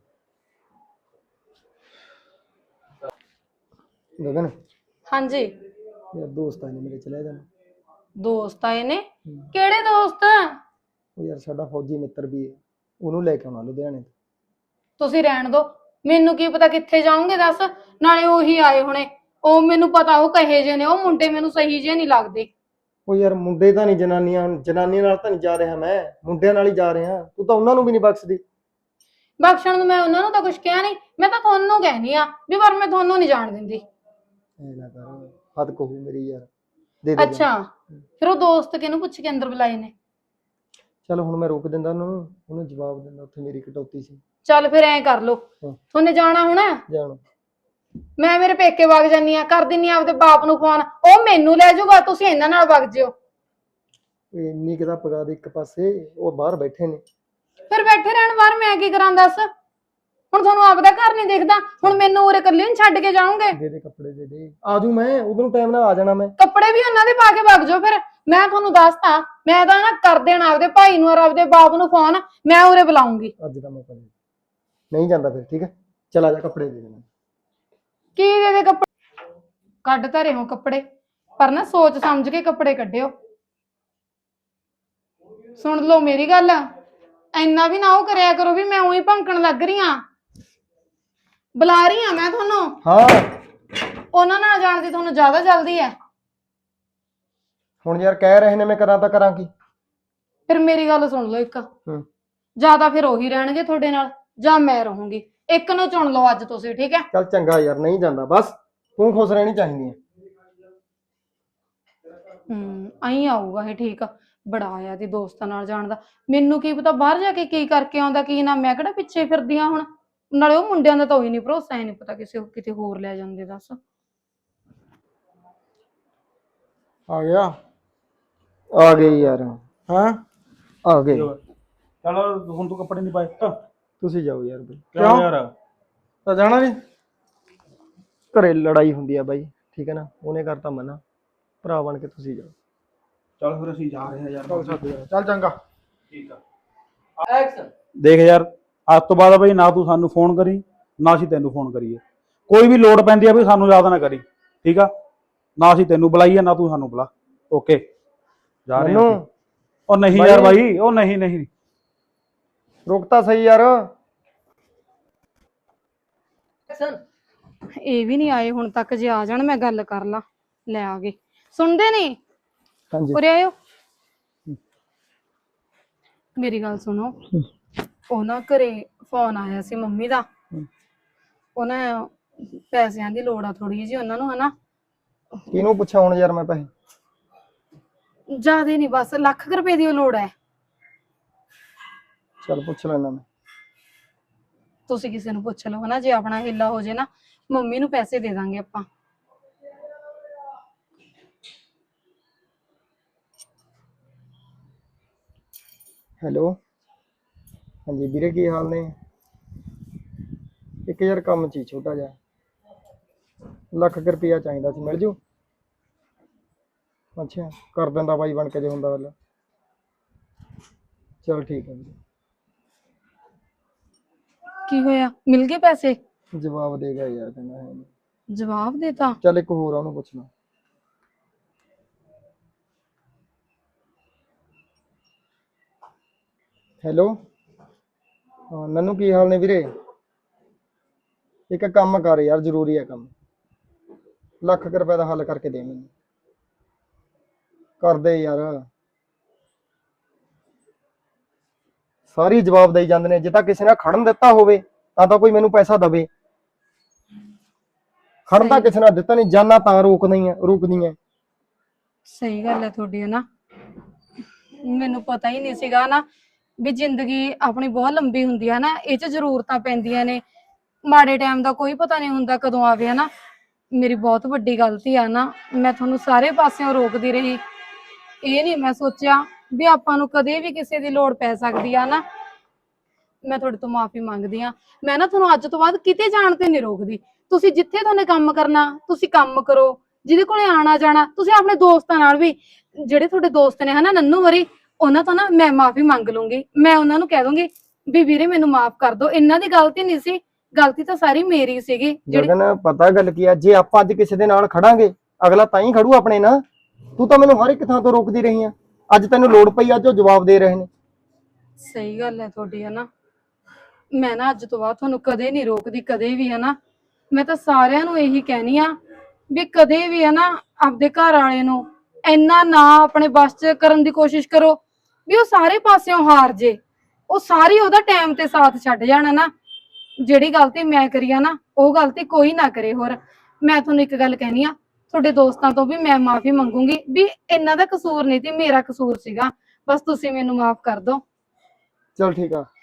ਗਗਨ ਹਾਂਜੀ ਯਾਰ ਦੋਸਤ ਆਏ ਨੇ ਮੇਰੇ ਚਲੇ ਜਾਣਾ। ਦੋਸਤ ਆਏ ਨੇ ਕਿਹੜੇ ਦੋਸਤ ਉਹ ਯਾਰ ਸਾਡਾ ਫੌਜੀ ਮਿੱਤਰ ਵੀ ਹੈ ਉਹਨੂੰ ਲੈ ਕੇ ਆਉਣਾ ਲੁਧਿਆਣੇ ਤੋਂ। ਤੁਸੀਂ ਰਹਿਣ ਦੋ ਮੈਨੂੰ ਕੀ ਪਤਾ ਕਿੱਥੇ ਜਾਓਗੇ ਦੱਸ ਨਾਲੇ ਉਹੀ ਆਏ ਹੋਣੇ ਉਹ ਮੈਨੂੰ ਪਤਾ ਉਹ ਕਹੇ ਜੇ ਨੇ ਉਹ ਮੁੰਡੇ ਮੈਨੂੰ ਸਹੀ ਜੇ ਨਹੀਂ ਲੱਗਦੇ ਉਹ ਯਾਰ ਮੁੰਡੇ ਤਾਂ ਨਹੀਂ ਜਨਾਨੀਆਂ ਜਨਾਨੀਆਂ ਨਾਲ ਤਾਂ ਨਹੀਂ ਜਾ ਰਿਹਾ ਮੈਂ ਮੁੰਡਿਆਂ ਨਾਲ ਹੀ ਜਾ ਰਿਹਾ ਤੂੰ ਤਾਂ ਉਹਨਾਂ ਨੂੰ ਵੀ ਨਹੀਂ ਬਖਸ਼ਦੀ। ਬਖਸ਼ਣ ਨੂੰ ਮੈਂ ਉਹਨਾਂ ਨੂੰ ਤਾਂ ਕੁਝ ਕਿਹਾ ਨਹੀਂ ਮੈਂ ਤਾਂ ਤੁਹਾਨੂੰ ਕਹਿਨੀ ਆ ਵੀ ਪਰ ਮੈਂ ਤੁਹਾਨੂੰ ਨਹੀਂ ਜਾਣ ਦਿੰਦੀ। ਐ ਨਾ ਕਰ ਹੱਦ ਕਹੂ ਮੇਰੀ ਯਾਰ ਦੇ ਦੇ ਅੱਛਾ ਫਿਰ ਉਹ ਦੋਸਤ ਕਿਹਨੂੰ ਪੁੱਛ ਕੇ ਅੰਦਰ ਬੁਲਾਏ ਨੇ? ਚਲ ਹੁਣ ਮੈਂ ਰੋਕ ਦਿੰਦਾ ਉਹਨਾਂ ਨੂੰ ਉਹਨੂੰ ਜਵਾਬ ਦਿੰਦਾ ਉੱਥੇ ਮੇਰੀ ਕਟੌਤੀ ਸੀ। ਚੱਲ ਫਿਰ ਐਂ ਕਰ ਲੋ ਹਾਂ। ਤੁਹਾਨੂੰ ਜਾਣਾ ਹੋਣਾ ਜਾਣ ਮੈਂ ਮੇਰੇ ਪੇਕੇ ਵਗ ਜਾਨੀ ਆ, ਕਰ ਦਿੰਨੀ ਆ ਆਪਦੇ ਬਾਪ ਨੂੰ ਫੋਨ, ਉਹ ਮੈਨੂੰ ਲੈ ਜਾਊਗਾ, ਤੁਸੀਂ ਇਹਨਾਂ ਨਾਲ ਵਗ ਜਿਓ। ਓਏ ਇੰਨੀ ਕਿਤਾ ਪਗਾ ਦੇ ਇੱਕ ਪਾਸੇ, ਉਹ ਬਾਹਰ ਬੈਠੇ ਨੇ। ਫਿਰ ਬੈਠੇ ਰਹਿਣ ਬਾਹਰ, ਮੈਂ ਕੀ ਕਰਾਂ ਦੱਸ? ਹੁਣ ਤੁਹਾਨੂੰ ਆਪਦਾ ਘਰ ਨਹੀਂ ਦਿਖਦਾ, ਹੁਣ ਮੈਨੂੰ ਉਰੇ ਇਕੱਲੀ ਨੂੰ ਛੱਡ ਕੇ ਜਾਓਗੇ? ਦੇ ਦੇ ਕੱਪੜੇ ਦੇ ਦੇ, ਆ ਜੂ ਮੈਂ ਉਦੋਂ ਟਾਈਮ ਨਾਲ ਆ ਜਾਣਾ ਮੈਂ। ਕੱਪੜੇ ਵੀ ਉਹਨਾਂ ਦੇ ਪਾ ਕੇ ਵਗ ਜਾਓ ਫਿਰ। ਮੈਂ ਤੁਹਾਨੂੰ ਦੱਸਤਾ, ਮੈਂ ਤਾਂ ਨਾ ਕਰ ਦੇਣਾ ਆਪਦੇ ਭਾਈ ਨੂੰ ਔਰ ਆਪਦੇ ਬਾਪ ਨੂੰ ਫੋਨ, ਮੈਂ ਉਰੇ ਬੁਲਾਉਂਗੀ। ਅੱਜ ਦਾ ਮੌਕਾ ਨਹੀਂ ਨਹੀਂ ਜਾਂਦਾ ਫਿਰ, ਠੀਕ ਹੈ ਚਲ ਆ ਜਾ, ਕੱਪੜੇ ਦੇ ਦੇ। ਕੀ ਦੇ ਦੇ ਕੱਪੜੇ? ਕੱਢ ਤਾਂ ਰਹੇ ਹੋ ਕੱਪੜੇ, ਪਰ ਨਾ ਸੋਚ ਸਮਝ ਕੇ ਕੱਪੜੇ ਕੱਢਿਓ। ਸੁਣ ਲਓ ਮੇਰੀ ਗੱਲ, ਇੰਨਾ ਵੀ ਨਾ ਉਹ ਕਰਿਆ ਕਰੋ ਵੀ ਮੈਂ ਉਹੀ ਭੌਂਕਣ ਲੱਗ ਰਹੀ ਆ। ਬੁਲਾ ਰਹੀ ਆ ਮੈਂ ਤੁਹਾਨੂੰ। ਹਾਂ ਉਹਨਾਂ ਨਾਲ ਜਾਣ ਦੀ ਤੁਹਾਨੂੰ ਜ਼ਿਆਦਾ ਜਲਦੀ ਹੈ। ਹੁਣ ਯਾਰ ਕਹਿ ਰਹੇ ਨੇ, ਮੈਂ ਕਰਾਂ ਤਾਂ ਕਰਾਂ ਕੀ? ਫਿਰ ਮੇਰੀ ਗੱਲ ਸੁਣ ਲਓ ਇੱਕ, ਹੂੰ ਜਾਂ ਤਾਂ ਫਿਰ ਉਹੀ ਰਹਿਣਗੇ ਤੁਹਾਡੇ ਨਾਲ, ਜਾਂ ਮੈਂ ਰਹੂੰਗੀ। ਇੱਕ ਨੂੰ ਚੁਣ ਲਓ ਅੱਜ ਤੁਸੀਂ, ਠੀਕ ਹੈ? ਚੱਲ ਚੰਗਾ ਯਾਰ, ਨਹੀਂ ਜਾਂਦਾ, ਬਸ ਤੂੰ ਖੁਸ਼ ਰਹਿਣੀ ਚਾਹੀਦੀ ਹੈ। ਹੂੰ ਆਈ ਆਊਗਾ ਇਹ, ਠੀਕ ਆ। ਬੜਾ ਆਇਆ ਦੀ ਦੋਸਤਾਂ ਨਾਲ ਜਾਣ ਦਾ, ਮੈਨੂੰ ਕੀ ਪਤਾ ਬਾਹਰ ਜਾ ਕੇ ਕੀ ਕਰਕੇ ਆਉਂਦਾ ਕੀ ਨਾ। ਮੈਂ ਕਿਹੜਾ ਪਿੱਛੇ ਫਿਰਦੀ ਆ ਹੁਣ, ਨਾਲੇ ਉਹ ਮੁੰਡਿਆਂ ਦਾ ਤਾਂ ਉਹੀ ਨਹੀਂ ਭਰੋਸਾ, ਹੀ ਨਹੀਂ ਪਤਾ ਕਿਸੇ ਕਿਤੇ ਹੋਰ ਲੈ ਜਾਂਦੇ। ਦੱਸ ਆ ਗਿਆ। ਆ ਗਏ ਯਾਰ, ਹਾਂ ਆ ਗਏ। ਚਲ ਹੁਣ ਤੂੰ ਕੱਪੜੇ ਨਹੀਂ ਪਾਏ ਕਿਉਂ ਤੁਸੀਂ ਜਾਓ ਯਾਰ ਬਈ। ਯਾਰ? ਤਾਂ ਜਾਣਾ ਨਹੀਂ? ਘਰੇ ਲੜਾਈ ਹੁੰਦੀ ਆ ਬਾਈ, ਠੀਕ ਹੈ ਨਾ, ਉਹਨੇ ਕਰਤਾ ਮਨਾ, ਭਰਾ ਬਣ ਕੇ ਤੁਸੀਂ ਜਾਓ। ਚੱਲ ਫਿਰ ਅਸੀਂ ਜਾ ਰਹੇ ਹਾਂ ਯਾਰ। ਚੱਲ ਛੱਡ ਯਾਰ, ਚੱਲ ਚੰਗਾ। ਠੀਕ ਆ। ਦੇਖ ਯਾਰ, ਅੱਜ ਤੋਂ ਬਾਅਦ ਬਈ ਨਾ ਤੂੰ ਸਾਨੂੰ ਫੋਨ ਕਰੀ, ਨਾ ਅਸੀਂ ਤੈਨੂੰ ਫੋਨ ਕਰੀਏ। ਕੋਈ ਵੀ ਲੋੜ ਪੈਂਦੀ ਆ ਬਈ ਸਾਨੂੰ ਯਾਦ ਨਾ ਕਰੀ, ਠੀਕ ਆ? ਨਾ ਅਸੀਂ ਤੈਨੂੰ ਬੁਲਾਈਏ, ਨਾ ਤੂੰ ਸਾਨੂੰ ਬੁਲਾ। ਓਕੇ, ਜਾ ਰਹੇ ਹਾਂ। ਉਹ ਨਹੀਂ ਯਾਰ ਬਾਈ, ਉਹ ਨਹੀਂ ਨਹੀਂ, ਰੁਕ ਤਾਂ ਸਹੀ ਯਾਰ। ਇਹ ਵੀ ਨਹੀਂ ਆਏ ਹੁਣ ਤੱਕ, ਜੇ ਆ ਜਾਣ ਮੈਂ ਗੱਲ ਕਰ ਲਾਂ। ਲੈ ਆ ਗਏ, ਸੁਣਦੇ ਨਹੀਂ? ਹਾਂਜੀ ਉਰੇ ਆਇਓ, ਮੇਰੀ ਗੱਲ ਸੁਣੋ। ਉਹ ਨਾ ਘਰੇ ਫੋਨ ਆਇਆ ਸੀ ਮੰਮੀ ਦਾ, ਉਹਨਾਂ ਪੈਸਿਆਂ ਦੀ ਲੋੜ ਆ ਥੋੜੀ ਜਿਹੀ ਉਹਨਾਂ ਨੂੰ, ਹਨਾ? ਕਿਹਨੂੰ ਪੁੱਛਾਂ ਹੁਣ ਯਾਰ ਮੈਂ ਪੈਸੇ? ਜ਼ਿਆਦੇ ਨਹੀਂ, ਬਸ ਲੱਖ ਕੁ ਰੁਪਏ ਦੀ ਉਹ ਲੋੜ ਹੈ। ਚੱਲ ਪੁੱਛ ਲੈਣਾ ਮੈਂ। ਤੁਸੀਂ ਕਿਸੇ ਨੂੰ ਪੁੱਛ ਲਓ, ਹਨਾ? ਜੇ ਆਪਣਾ ਹਿੱਲਾ ਹੋ ਜੇ ਨਾ, ਮੰਮੀ ਨੂੰ ਪੈਸੇ ਦੇ ਦਾਂਗੇ ਆਪਾਂ। ਹੈਲੋ, ਹਾਂਜੀ ਵੀਰੇ, ਕੀ ਹਾਲ ਨੇ? ਇੱਕ ਯਾਰ ਕੰਮ ਸੀ ਛੋਟਾ ਜਿਹਾ, ਲੱਖ ਕੁ ਰੁਪਈਆ ਚਾਹੀਦਾ ਸੀ, ਮਿਲ ਜੂ? ਅੱਛਾ, ਕਰ ਦਿੰਦਾ ਬਾਈ ਬਣ ਕੇ ਜੇ ਹੁੰਦਾ ਗੱਲ। ਚਲ ਠੀਕ ਹੈ ਵੀਰੇ। ਕੀ ਹੋਇਆ, ਮਿਲ ਗਏ ਪੈਸੇ? ਜਵਾਬ ਦੇਗਾ ਯਾਰ, ਕਹਿੰਦਾ ਹੈ ਨੀ। ਜਵਾਬ ਦੇਤਾ? ਚੱਲ ਇੱਕ ਹੋਰ ਆ, ਉਹਨੂੰ ਪੁੱਛਣਾ। ਹੈਲੋ, ਹਾਂ ਨੰਨੂ, ਕੀ ਹਾਲ ਨੇ ਵੀਰੇ? ਇੱਕ ਕੰਮ ਕਰ ਯਾਰ, ਜ਼ਰੂਰੀ ਹੈ ਕੰਮ, ਲੱਖ ਕੁ ਰੁਪਏ ਦਾ ਹੱਲ ਕਰਕੇ ਦੇ ਮੈਨੂੰ। ਕਰ ਦੇ ਯਾਰ। ਸਾਰੀ ਜਵਾਬ ਦੇਈ ਜਾਂਦੇ ਨੇ, ਜੇ ਤਾਂ ਕਿਸੇ ਨੇ ਖੜਨ ਦਿੱਤਾ ਹੋਵੇ ਤਾਂ ਤਾਂ ਕੋਈ ਮੈਨੂੰ ਪੈਸਾ ਦਵੇ। ਖੜਨ ਤਾਂ ਕਿਸੇ ਨੇ ਦਿੱਤਾ ਨਹੀਂ, ਜਾਨਾ ਤਾਂ ਰੋਕਦੀਆਂ ਰੁਕਦੀਆਂ। ਸਹੀ ਗੱਲ ਹੈ ਤੁਹਾਡੀ, ਨਾ ਮੈਨੂੰ ਪਤਾ ਹੀ ਨਹੀਂ ਸੀਗਾ ਨਾ ਵੀ ਜ਼ਿੰਦਗੀ ਆਪਣੀ ਬਹੁਤ ਲੰਬੀ ਹੁੰਦੀ ਹੈ ਨਾ, ਇਹ ਚ ਜ਼ਰੂਰਤਾਂ ਪੈਂਦੀਆਂ ਨੇ, ਮਾੜੇ ਟਾਈਮ ਦਾ ਕੋਈ ਪਤਾ ਨਹੀਂ ਹੁੰਦਾ ਕਦੋਂ ਆਵੇ, ਹਨਾ? ਮੇਰੀ ਬਹੁਤ ਵੱਡੀ ਗਲਤੀ ਆ ਨਾ, ਮੈਂ ਤੁਹਾਨੂੰ ਸਾਰੇ ਪਾਸਿਓਂ ਰੋਕਦੀ ਰਹੀ। ਇਹ ਨਹੀਂ ਮੈਂ ਸੋਚਿਆ ਵੀ ਆਪਾਂ ਨੂੰ ਕਦੇ ਵੀ ਕਿਸੇ ਦੀ ਲੋੜ ਪੈ ਸਕਦੀ ਆ ਨਾ। ਮੈਂ ਤੁਹਾਡੇ ਤੋਂ ਮਾਫੀ ਮੰਗਦੀ ਆ। ਮੈਂ ਨਾ ਤੁਹਾਨੂੰ ਅੱਜ ਤੋਂ ਬਾਅਦ ਕਿਤੇ ਜਾਣ ਤੇ ਨਹੀਂ ਰੋਕਦੀ। ਤੁਸੀਂ ਜਿੱਥੇ ਤੁਹਾਨੂੰ ਕੰਮ ਕਰਨਾ ਤੁਸੀਂ ਕੰਮ ਕਰੋ, ਜਿਹਦੇ ਕੋਲੇ ਆਣਾ ਜਾਣਾ ਤੁਸੀਂ ਆਪਣੇ ਦੋਸਤਾਂ ਨਾਲ ਵੀ, ਜਿਹੜੇ ਤੁਹਾਡੇ ਦੋਸਤ ਨੇ ਹਨਾ ਨੰਨੂ ਵਰੀ, ਉਹਨਾਂ ਤੋਂ ਨਾ ਮੈਂ ਮਾਫੀ ਮੰਗ ਲੂੰਗੀ। ਮੈਂ ਉਹਨਾਂ ਨੂੰ ਕਹਿ ਦੂੰਗੀ ਵੀ ਵੀਰੇ ਮੈਨੂੰ ਮਾਫ ਕਰ ਦਿਓ, ਇਹਨਾਂ ਦੀ ਗਲਤੀ ਨਹੀਂ ਸੀ, ਗਲਤੀ ਤਾਂ ਸਾਰੀ ਮੇਰੀ ਸੀਗੀ। ਜਗਨ ਪਤਾ ਗੱਲ ਕੀ ਆ, ਜੇ ਆਪਾਂ ਅੱਜ ਕਿਸੇ ਦੇ ਨਾਲ ਖੜਾਂਗੇ ਅਗਲਾ ਤਾਂ ਹੀ ਖੜੂ ਆਪਣੇ ਨਾਲ। ਤੂੰ ਤਾਂ ਮੈਨੂੰ ਹਰ ਇੱਕ ਥਾਂ ਤੋਂ ਰੋਕਦੀ ਰਹੀ ਆ, ਅੱਜ ਤੈਨੂੰ ਲੋੜ ਪਈ, ਅੱਜ ਉਹ ਜਵਾਬ ਦੇ ਰਹੇ ਨੇ। ਸਹੀ ਗੱਲ ਹੈ ਤੁਹਾਡੀ, ਹਨਾ? ਮੈਂ ਨਾ ਅੱਜ ਤੋਂ ਬਾਅਦ ਤੁਹਾਨੂੰ ਕਦੇ ਨਹੀਂ ਰੋਕਦੀ, ਕਦੇ ਵੀ, ਹਨਾ? ਮੈਂ ਤਾਂ ਸਾਰਿਆਂ ਨੂੰ ਇਹੀ ਕਹਿਣੀ ਆ ਵੀ ਕਦੇ ਵੀ ਹਨਾ ਆਪਦੇ ਘਰ ਵਾਲੇ ਨੂੰ ਇੰਨਾ ਨਾ ਆਪਣੇ ਬਸ ਚ ਕਰਨ ਦੀ ਕੋਸ਼ਿਸ਼ ਕਰੋ ਵੀ ਉਹ ਸਾਰੇ ਪਾਸਿਓਂ ਹਾਰ ਜੇ, ਉਹ ਸਾਰੀ ਉਹਦਾ ਟਾਈਮ ਤੇ ਸਾਥ ਛੱਡ ਜਾਣਾ ਨਾ। ਜਿਹੜੀ ਗਲਤੀ ਮੈਂ ਕਰੀ ਆ ਨਾ, ਉਹ ਗਲਤੀ ਕੋਈ ਨਾ ਕਰੇ ਹੋਰ। ਮੈਂ ਤੁਹਾਨੂੰ ਇੱਕ ਗੱਲ ਕਹਿਣੀ ਆ, ਤੁਹਾਡੇ ਦੋਸਤਾਂ ਤੋਂ ਵੀ ਮੈਂ ਮਾਫੀ ਮੰਗੂੰਗੀ ਵੀ ਇਹਨਾਂ ਦਾ ਕਸੂਰ ਨਹੀਂ ਸੀ, ਮੇਰਾ ਕਸੂਰ ਸੀਗਾ, ਬਸ ਤੁਸੀਂ ਮੈਨੂੰ ਮਾਫ ਕਰ ਦਿਓ। ਚਲ ਠੀਕ ਆ।